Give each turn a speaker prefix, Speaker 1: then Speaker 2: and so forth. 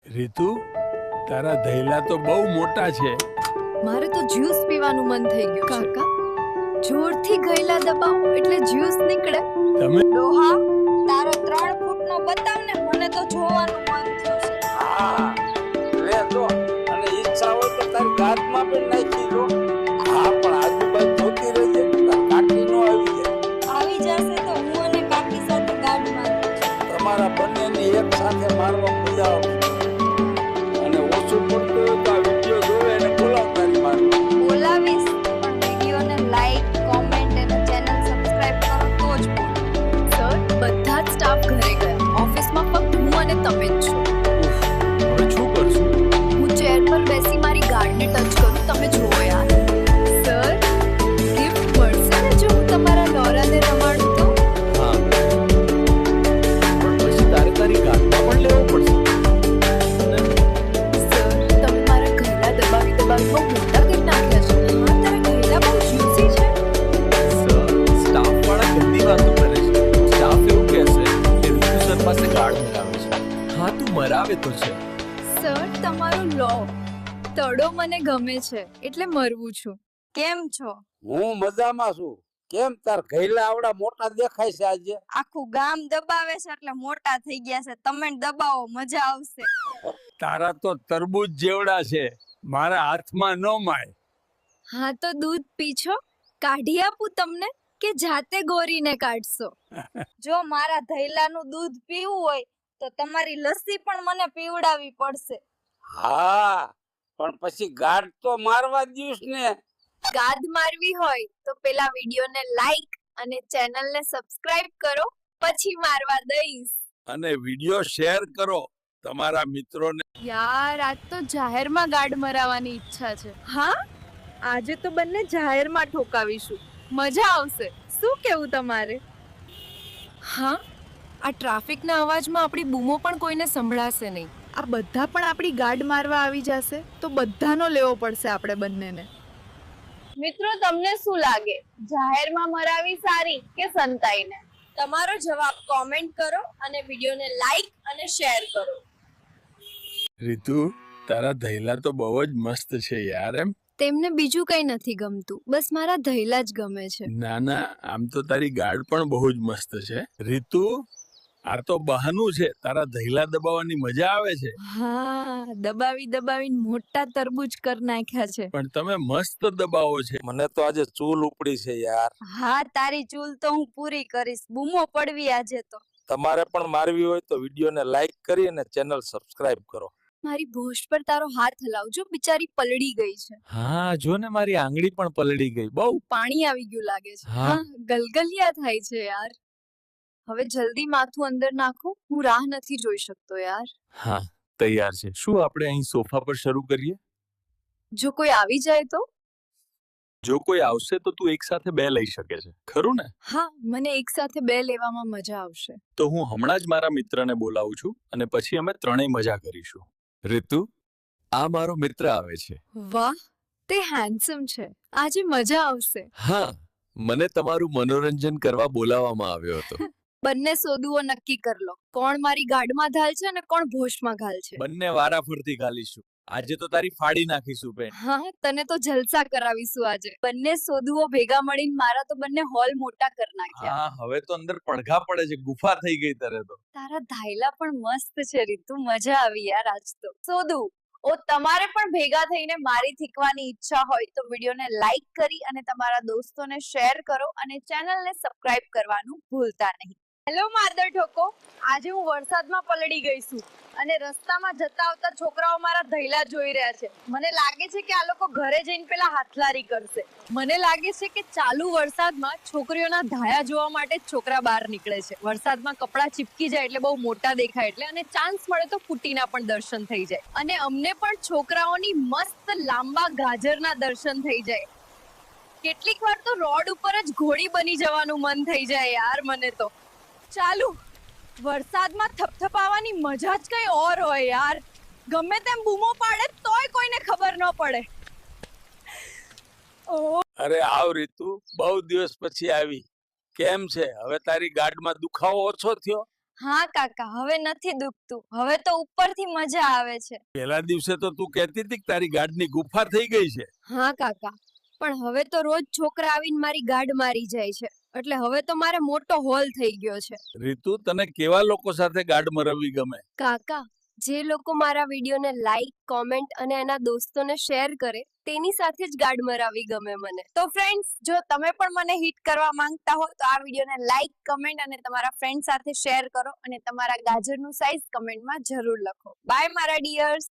Speaker 1: રીતુ, તારા ધૈલા તો બહુ મોટા છે.
Speaker 2: મારે તો જ્યુસ પીવાનું મન થઈ ગયું છે. કાકા જોરથી ગયલા દબાવો એટલે જ્યુસ નીકળે.
Speaker 1: તમે
Speaker 3: ડોહા તારો 3 ફૂટનો બતાવ ને, મને તો જોવાનું મન થયું છે.
Speaker 4: હા લે જો, અને ઈચ્છા હોય તો તારી ગાદમાં પણ નાખી દો. હા પણ આજુબાજુ જોતી રહેજે, તાર કાકી નો આવી જાય.
Speaker 3: આવી જશે તો હું અને કાકી સાથે ગાડ મારું.
Speaker 4: તમારા બંનેને એક સાથે મારવા મજા આવશે. અને ઓછું પડતું હોય તો આ વિડીયો જોવે અને બોલાવ તારી મારવા.
Speaker 3: બોલાવીશ પણ વિડીયોને લાઈક, કોમેન્ટ અને ચેનલ સબસ્ક્રાઇબ કરો તો જ બોલ.
Speaker 2: સર બધા જ સ્ટાફ ઘરે ગયા. ઓફિસમાં ફક્ત હું અને તમે જ છો.
Speaker 1: હવે શું કરશું?
Speaker 2: હું ચેર પર બેસી મારી ગાર્ડને ટચ કરું. તમે જુઓ યાર. સર ગિફ્ટ મળશે ને જો હું તમારા નોરાને રમાડું તો?
Speaker 1: હા, પણ પછી તારે તારી ગાદમાં પણ લેવો પડશે.
Speaker 2: સર તમે મારા ઘરડા દબાવી દબાવી બહુ મોટા કરી નાખ્યા છે. હા તારા ઘરડા બહુ જ્યુસી છે.
Speaker 1: સર, સ્ટાફ વાળા ગંદી વાતો કરે છે. સ્ટાફ એવું કહેશે કે રીતુ સર પાસે ગાર્ડ મરાવે છે. હા, તું મરાવે તો છે.
Speaker 2: સર તમારો લો તડો મને ગમે છે એટલે મરવું છું.
Speaker 3: કેમ છો?
Speaker 4: હું મજામાં છું. કેમ તાર ઘૈલા આવડા મોટા દેખાય છે આજે?
Speaker 3: આખું ગામ દબાવે છે એટલે મોટા થઈ ગયા છે. તમે દબાવો, મજા આવશે.
Speaker 1: તારા તો તરબૂચ જેવડા છે, મારા હાથમાં ન માય.
Speaker 2: હા તો દૂધ પીછો, કાઢી આપું તમને કે જાતે ગોરીને કાઢશો?
Speaker 3: જો મારા ધૈલાનું દૂધ પીવું હોય તો તમારી લસ્સી પણ મને પીવડાવવી પડશે.
Speaker 4: હા પણ પછી ગાઢ તો મારવા દ્યુસ ને.
Speaker 2: ગાદ મારવી હોય તો પેલા વિડીયોને લાઈક અને ચેનલને સબસ્ક્રાઇબ કરો, પછી મારવા દઈશ.
Speaker 1: અને વિડીયો શેર કરો તમારા મિત્રોને.
Speaker 2: યાર આજ તો જાહેરમાં ગાડ મરાવવાની ઈચ્છા છે. હા આજે તો બંને જાહેરમાં ઠોકાવીશું. મજા આવશે. શું કેવું તમારે? હા આ ટ્રાફિકના અવાજમાં આપણી બૂમો પણ કોઈને સંભળાશે નહીં.
Speaker 5: આ બધા પણ આપણી ગાડ મારવા આવી જશે તો બધાનો લેવો પડશે આપણે બંનેને.
Speaker 6: મિત્રો તમને શું લાગે, જાહેરમાં મરાવી સારી કે સંતાઈને?
Speaker 3: તમારો જવાબ કોમેન્ટ કરો અને વિડીયોને લાઈક અને શેર કરો.
Speaker 1: રીતુ, તારા ધૈલા તો બહુ જ મસ્ત છે યાર. એમ
Speaker 2: તેમને બીજું કંઈ નથી ગમતું, બસ મારા ધૈલા જ ગમે છે.
Speaker 1: ના ના, આમ તો તારી ગાડ પણ બહુ જ મસ્ત છે. રીતુ, આ તો બહાનું છે, તારા ધૈલા દબાવવાની મજા આવે છે.
Speaker 2: હા દબાવી દબાવીને મોટા તરબૂચ કર નાખ્યા છે.
Speaker 1: પણ તમે મસ્ત દબાવો છે.
Speaker 4: મને તો આજે ચૂલ ઉપડી છે યાર.
Speaker 3: હા તારી ચૂલ તો હું પૂરી કરીશ. બૂમો પડવી આજે તો.
Speaker 4: તમારે પણ મારવી હોય તો વિડીયોને લાઈક કરી અને ચેનલ સબસ્ક્રાઇબ કરો.
Speaker 2: મારી ભોજ પર તારો હાથ હલાવજો, બિચારી પલળી ગઈ છે.
Speaker 1: હા, જો ને મારી આંગળી પણ પલળી ગઈ. બહુ
Speaker 2: પાણી આવી ગયું લાગે છે.
Speaker 1: હા.
Speaker 2: હા ગલગલિયા થાય છે યાર. હવે જલ્દી માથું અંદર નાખો, હું રાહ નથી જોઈ શકતો યાર.
Speaker 1: હા, તૈયાર છે. શું આપણે અહીં સોફા પર શરૂ કરીએ?
Speaker 2: જો કોઈ આવી જાય તો?
Speaker 1: જો કોઈ આવશે તો તું એક સાથે બે લઈ શકે છે, ખરું ને?
Speaker 2: હા મને એક સાથે બે લેવામાં મજા આવશે.
Speaker 1: તો હું હમણાં જ મારા મિત્રને બોલાવું છું અને પછી અમે ત્રણેય મજા કરીશું. રીતુ, આ મારો મિત્ર આવે છે.
Speaker 2: વાહ તે હેન્ડસમ છે, આજે મજા આવશે.
Speaker 1: હા, મને તમારું મનોરંજન કરવા બોલાવવામાં આવ્યો હતો.
Speaker 2: બંને સોદુઓ નક્કી કર લો, કોણ મારી ગાડમાં ઘાલ છે અને કોણ ભોશમાં ઘાલ છે.
Speaker 1: બંને વારાફરતી ગાલીશું. આજે તો તારી ફાડી નાખીશું બેન.
Speaker 2: હા તને તો જલસા કરાવીશું આજે. બંને સોદુઓ ભેગા મળીને મારા તો બંને હોલ મોટા કર નાખ્યા.
Speaker 1: હા, હવે તો અંદર પડઘા પડે છે, ગુફા થઈ ગઈ તારે તો.
Speaker 2: તારા ધાયલા પણ મસ્ત છે રીતુ, મજા આવી યાર આજ તો.
Speaker 6: સોદુ ઓ તમારે પણ ભેગા થઈને મારી થીકવાની ઈચ્છા હોય તો વિડીયોને લાઈક કરી અને તમારા દોસ્તોને શેર કરો અને ચેનલને સબસ્ક્રાઇબ કરવાનું ભૂલતા નહીં. હેલો માદર ઠોકો, આજે હું વરસાદમાં પલળી ગઈ છું અને રસ્તામાં જતા આવતા છોકરાઓ મારા ધૈલા જોઈ રહ્યા છે. મને લાગે છે કે આ લોકો ઘરે જઈને પેલા હાથલારી કરશે.
Speaker 2: મને લાગે છે કે ચાલુ વરસાદમાં છોકરીઓના ધાયા જોવા માટે જ છોકરા બહાર નીકળે છે. વરસાદમાં કપડાં ચીપકી જાય એટલે બહુ મોટા દેખાય એટલે, અને ચાન્સ મળે તો ફૂટીના પણ દર્શન થઈ જાય. અને અમને પણ છોકરાઓની મસ્ત લાંબા ગાજરના દર્શન થઈ જાય. કેટલીક વાર તો રોડ ઉપર જ ઘોડી બની જવાનું મન થઈ જાય યાર મને તો.
Speaker 6: ચાલુ વરસાદમાં થપથપાવાની મજા જ કઈ ઓર હોય યાર. ગમે તેમ બૂમો પાડે તોય કોઈને ખબર ન પડે.
Speaker 4: અરે આવ રીતુ, બહુ દિવસ પછી આવી. કેમ છે? હવે તારી ગાડમાં દુખાવો ઓછો થયો?
Speaker 3: હા કાકા, હવે નથી દુખતું. હવે તો ઉપરથી મજા આવે છે.
Speaker 4: પેલા દિવસે તો તું કહેતી હતી કે તારી ગાઢની ગુફા થઈ ગઈ છે.
Speaker 2: હા કાકા, પણ હવે તો રોજ છોકરા આવીને મારી ગાડ મારી જાય છે, એટલે હવે તો મારે મોટો હોલ થઈ ગયો છે.
Speaker 4: રીતુ, તને કેવા લોકો સાથે ગાઢ મરવવી ગમે?
Speaker 2: કાકા, જે લોકો મારા વિડીયોને લાઈક, કોમેન્ટ અને એના દોસ્તોને શેર કરે તેની સાથે જ ગાડ મરાવી ગમે મને.
Speaker 6: તો ફ્રેન્ડ્સ, જો તમે પણ મને હિટ કરવા માંગતા હો તો આ વિડીયોને લાઈક, કમેન્ટ અને તમારા ફ્રેન્ડ સાથે શેર કરો અને તમારા ગાજરનું સાઈઝ કમેન્ટમાં જરૂર લખો. બાય મારા ડિયર્સ.